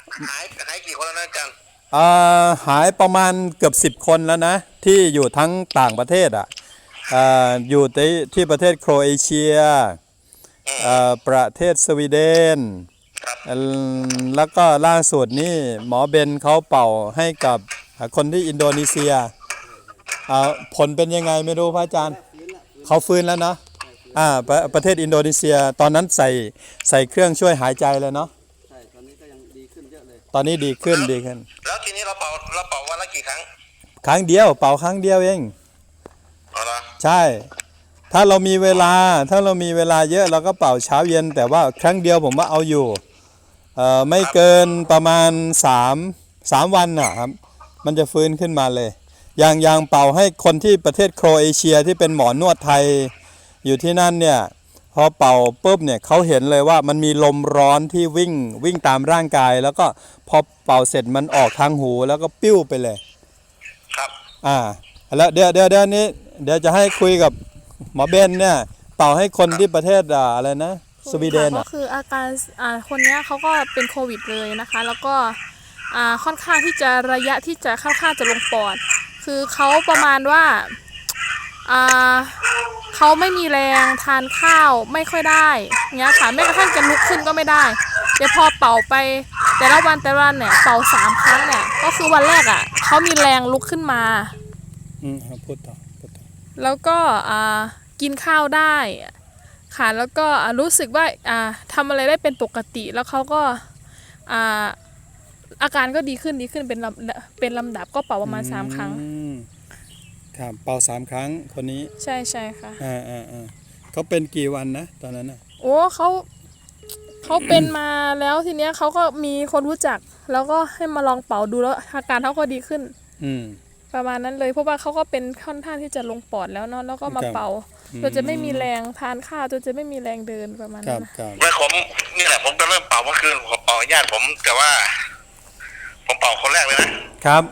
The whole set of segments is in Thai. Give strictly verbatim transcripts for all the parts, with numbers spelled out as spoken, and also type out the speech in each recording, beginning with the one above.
หายหายกี่คนแล้วนะอาจารย์อ่าหายประมาณเกือบสิบคนแล้วนะที่อยู่ทั้งต่างประเทศอ่ะอ่าอยู่ที่ที่ประเทศโครเอเชียอ่าประเทศสวีเดนแล้วก็ล่าสุดนี่หมอเบนเขาเป่าให้กับคนที่อินโดนีเซียอ่าผลเป็นยังไงไม่รู้พระอาจารย์เขาฟื้นแล้วเนาะอ่าประประเทศอินโดนีเซียตอนนั้นใส่ใส่เครื่องช่วยหายใจเลยเนาะใช่ตอนนี้ก็ยังดีขึ้นเยอะเลยตอนนี้ดีขึ้นดีขึ้นแล้วทีนี้เราเป่าเราเป่าวันละกี่ครั้งครั้งเดียวเป่าครั้งเดียวเองอ๋อเหรอใช่ถ้าเรามีเวลาถ้าเรามีเวลาเยอะเราก็เป่าเช้าเย็นแต่ว่าครั้งเดียวผมว่าเอาอยู่เอ่อไม่เกินประมาณสามสามวันนะครับมันจะฟื้นขึ้นมาเลยอย่างอย่างเป่าให้คนที่ประเทศโครเอเชียที่เป็นหมอนวดไทยอยู่ที่นั่นเนี่ยพอเป่าปุ๊บเนี่ยเขาเห็นเลยว่ามันมีลมร้อนที่วิ่งวิ่งตามร่างกายแล้วก็พอเป่าเสร็จมันออกทางหูแล้วก็ปิ้วไปเลยครับอ่าแล้วเดี๋ยวเดี๋ยวเดี๋ยวนี้เดี๋ยวจะให้คุยกับหมอเบนเนี่ยเป่าให้คนที่ประเทศอะไรนะสวีเดนก็คืออาการอ่าคนนี้เขาก็เป็นโควิดเลยนะคะแล้วก็อ่าค่อนข้างที่จะระยะที่จะค่อนข้างจะลงปอดคือเขาประมาณว่าอ่าเขาไม่มีแรงทานข้าวไม่ค่อยได้เงี้ยค่ะแม้กระทั่งจะลุกขึ้นก็ไม่ได้เดี๋ยวพอเป่าไปแต่ละวันแต่ละวันเนี่ยเป่าสามครั้งเนี่ยก็คือวันแรกอ่ะเขามีแรงลุกขึ้นมาอืมพูดต่อพูดต่อแล้วก็อ่ากินข้าวได้ค่ะแล้วก็รู้สึกว่าอ่าทำอะไรได้เป็นปกติแล้วเขาก็อ่าอาการก็ดีขึ้นดีขึ้นเป็นลำเป็นลำดับก็เป่าประมาณสามครั้งครับเป่าสามครั้งคนนี้ใช่ใช่ค่ะอ่าอ่าอ่าเขาเป็นกี่วันนะตอนนั้นอ่ะโอ้เขาเขาเป็นมาแล้วทีเนี้ยเขาก็มีคนรู้จักแล้วก็ให้มาลองเป่าดูแล้วอาการเขาก็ดีขึ้นอืมประมาณนั้นเลยเพราะว่าเขาก็เป็นค่อนข้างที่จะลงปอดแล้วเนาะแล้วก็มาเป่าจนจะไม่มีแรงทานข้าวจนจะไม่มีแรงเดินประมาณนั้นเมื่อผมนี่แหละผมก็เริ่มเป่าเมื่อคืนผมเป่าญาติผมแต่ว่าผมเป่าคนแรกเลยนะครับ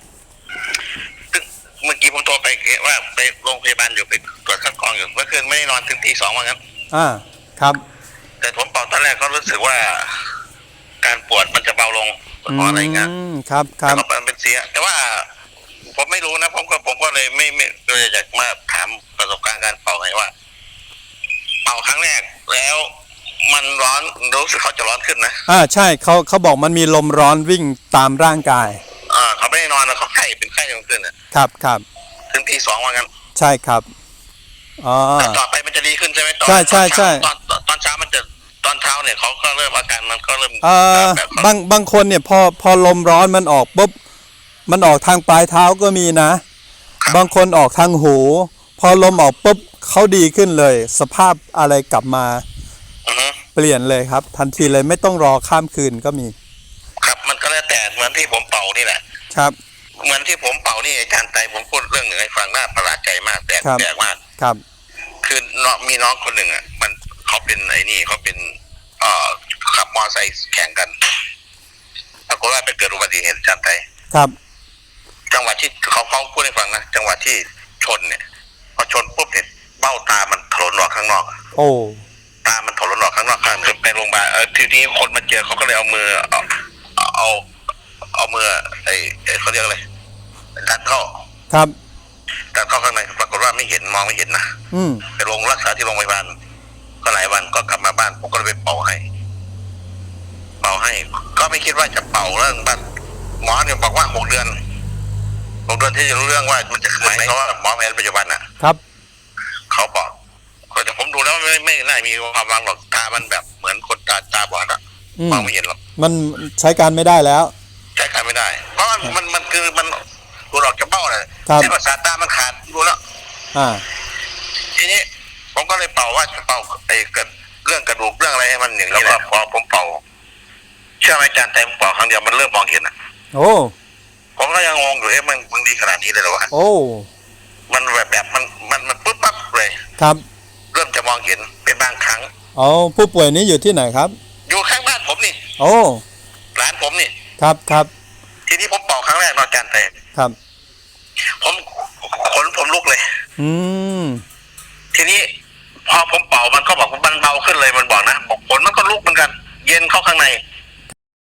เมื่อกี้ผมโทรไปว่าไปโรงพยาบาลอยู่ไปตรวจคัดกรองอยู่เมื่อคืนไม่ได้นอนถึงตีสองว่างั้นอ่าครับแต่ผมเป่าตอนแรกก็รู้สึกว่าการปวดมันจะเบาลงเพราะอะไรเงี้ยครับครับมันเป็นเสียแต่ว่าผมไม่รู้นะผมก็ผมก็เลยไม่ไม่เลยอยากมาถามประสบการณ์การเป่าไงว่าเป่าครั้งแรกแล้วมันร้อนรู้สึกเขาจะร้อนขึ้นนะอ่าใช่เขาเขาบอกมันมีลมร้อนวิ่งตามร่างกายอ่าเขาไม่ได้นอนแล้วเขาไข้เป็นไข้ขึ้นอ่ะครับครับถึงทีสองว่างั้นใช่ครับอ๋อต่อไปมันจะดีขึ้นใช่ไหมใช่ใช่ใช่ตอนตอนเช้ามันจะตอนเช้าเนี่ยเขาก็เริ่มอาการมันก็เริ่มเอ่อบางบางคนเนี่ยพอพอลมร้อนมันออกปุ๊บมันออกทางปลายเท้าก็มีนะบางคนออกทางหูพอลมออกปุ๊บเขาดีขึ้นเลยสภาพอะไรกลับมาเปลี่ยนเลยครับทันทีเลยไม่ต้องรอข้ามคืนก็มีครับมันก็แล้วแต่เหมือนที่ผมเป่านี่แหละครับเหมือนที่ผมเป่านี่อาจารย์ไตผมพูดเรื่องหนึ่งให้ฟังน่าประหลาดใจมากแปลกแปลกมากครับคือน้องมีน้องคนหนึ่งอ่ะมันเขาเป็นไอ้นี่เขาเป็นเอ่อขับมอเตอร์ไซค์แข่งกันปรากฏว่าไปเกิดอุบัติเหตุอาจารย์ไตครับจังหวะที่เขาเขาพูดให้ฟังนะจังหวะที่ชนเนี่ยพอชนปุ๊บเนี่ยเบ้าตามันถลนออกข้างนอกโอ้ตามันถลนออกข้างนอกข้างคือไปโรงพยาบาลเออทีนี้คนมาเจอเขาก็เลยเอามือเอาเอาเอามือไอ้ไอ้เขาเรียกอะไรดันเข้าครับดันเข้าข้างในปรากฏว่าไม่เห็นมองไม่เห็นนะอืมไปโรงรักษาที่โรงพยาบาลก็หลายวันก็กลับมาบ้านผมก็เลยไปเป่าให้เป่าให้ก็ไม่คิดว่าจะเป่าเรื่องบ้านหมอเนี่ยบอกว่าหกเดือนหกเดือนที่จะรู้เรื่องว่ามันจะคืนไหมเพราะว่าหมอแผนปัจจุบันอ่ะครับเขาบอกแต่ผมดูแล้วไม่ไม่น่ามีความวังหรอกตามันแบบเหมือนคนตาตาบอดอ่ะมองไม่เห็นหรอกมันใช้การไม่ได้แล้วใช้การไม่ได้เพราะมันมันมันคือมันดูออกจากเบ้าเลยเส้นประสาทตามันขาดดูแล้วอ่าทีนี้ผมก็เลยเป่าว่าจะเป่าไอ้เกิดเรื่องกระดูกเรื่องอะไรให้มันอย่างนี้แหละพอผมเป่าเชื่อไหมอาจารย์แต่ผมเป่าครั้งเดียวมันเริ่มมองเห็นอ่ะโอ้ผมก็ยังงงอยู่เอ๊ะมันมันดีขนาดนี้เลยเหรอวะโอ้มันแบบแบบมันมันมันปุ๊บปั๊บเลยครับเริ่มจะมองเห็นเป็นบางครั้งอ๋อผู้ป่วยนี้อยู่ที่ไหนครับอยู่ข้างบ้านผมนี่โอ้ร้านผมนี่ครับครับทีนี้ผมเป่าครั้งแรกนอนจานแต่ครับผมขนผมลุกเลยอืมทีนี้พอผมเป่ามันก็บอกว่ามันเบาขึ้นเลยมันบอกนะบอกขนมันก็ลุกเหมือนกันเย็นเข้าข้างใน